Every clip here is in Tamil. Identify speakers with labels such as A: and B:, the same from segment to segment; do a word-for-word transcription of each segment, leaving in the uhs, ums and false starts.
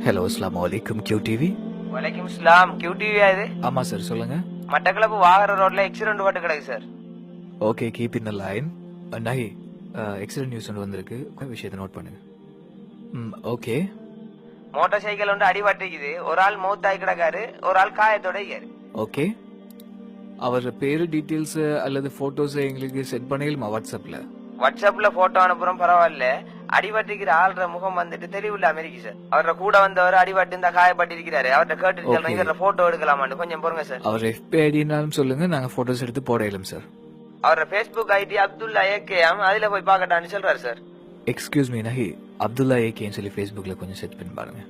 A: ஹலோ, அஸ்ஸலாமு அலைக்கும் கியூ டிவி.
B: வலைக்கும் இஸ்லாம். கியூ டிவி இது?
A: ஆமா சார், சொல்லுங்க.
B: மட்டக்களப்பு வாகர ரோட்ல ஆக்சிடென்ட் பட்டு கிடக்கு sir.
A: Okay, keep in the line. நஹி, ஆக்சிடென்ட் நியூஸ் ஒன்று வந்திருக்கு, விஷயத்தை நோட் பண்ணுங்க. ம் ஓகே.
B: மோட்டார் சைக்கிள் ஒன்று அடிபட்டிருக்குது. ஒரு ஆள் மௌத்தாய் கிடக்காரு, ஒரு ஆள் காயத்தோட இருக்காரு.
A: ஓகே, அவர் பேரு டீட்டெயில்ஸ் அல்லது போட்டோஸ் எங்களுக்கு செட் பண்ணிடலாமா வாட்ஸ்அப்ல?
B: வாட்ஸ்அப்ல போட்டோ அனுப்புறோம், பரவாயில்ல. அடிபட்டிருக்கிற ஆள்ற முகம் வந்துட்டு தெளிவுள்ள அமெரிக்கி சார். அவர கூட வந்தவர் அடிபட்டு இந்த காயப்பட்டிருக்கிறாரு. அவர்கிட்ட கேட்டு சொல்றேன், இவர போட்டோ எடுக்கலாமான்னு கொஞ்சம் பொறுங்க சார்.
A: அவர் எஃபி ஐடினாலும் சொல்லுங்க, நாங்க போட்டோஸ் எடுத்து போடலாம் சார்.
B: அவர பேஸ்புக் ஐடி அப்துல்லா ஏகேஎம், அதுல போய் பாக்கட்டான்னு சொல்றாரு சார்.
A: எக்ஸ்கியூஸ் மீ நஹி, அப்துல்லா ஏகேன்னு சொல்லி ஃபேஸ்புக்ல கொஞ்சம் செட் பண்ணி பாருங்க.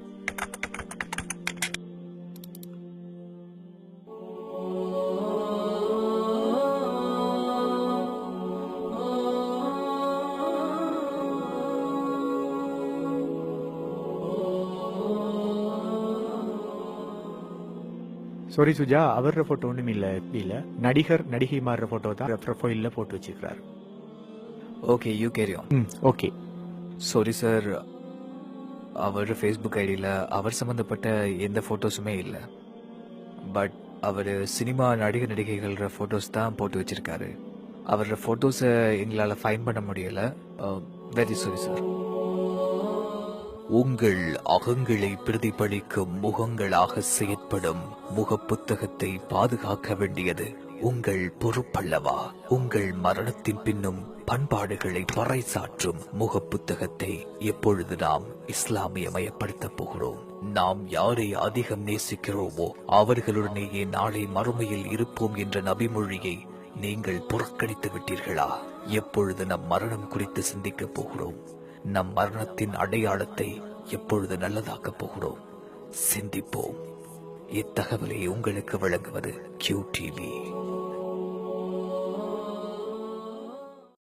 C: சாரி சுஜா, அவர போட்டோ ஒன்றும் இல்லை. இல்லை, நடிகர் நடிகை மாறுற போட்டோ தான் ப்ரொஃபைலில் போட்டு வச்சிருக்கிறாரு.
A: Okay, you carry on.
C: Hmm okay.
A: Sorry sir, அவர் ஃபேஸ்புக் ஐடியில் அவர் சம்மந்தப்பட்ட எந்த ஃபோட்டோஸுமே இல்லை. பட் அவர் சினிமா நடிகர் நடிகைகள ஃபோட்டோஸ் தான் போட்டு வச்சிருக்காரு. அவரோட ஃபோட்டோஸை எங்களால் ஃபைன் பண்ண முடியலை. Very sorry sir. உங்கள் அகங்களை பிரதிபலிக்கும் முகங்களாக செயற்படும் முக புத்தகத்தை பாதுகாக்க வேண்டியது உங்கள் பொறுப்பல்லவா? உங்கள் மரணத்தின் பின்னும் பண்பாடுகளை பறைசாற்றும் முக புத்தகத்தை எப்பொழுது நாம் இஸ்லாமியமயப்படுத்த போகிறோம்? நாம் யாரை அதிகம் நேசிக்கிறோமோ அவர்களுடனேயே நாளை மறுமையில் இருப்போம் என்ற நபிமொழியை நீங்கள் புறக்கணித்து விட்டீர்களா? எப்பொழுது நம் மரணம் குறித்து சிந்திக்க போகிறோம்? நம் மரணத்தின் அடையாளத்தை எப்பொழுது நல்லதாக்கப் போகிறோம்? சிந்திப்போம். இத்தகவலை உங்களுக்கு வழங்குவது கியூ டிவி.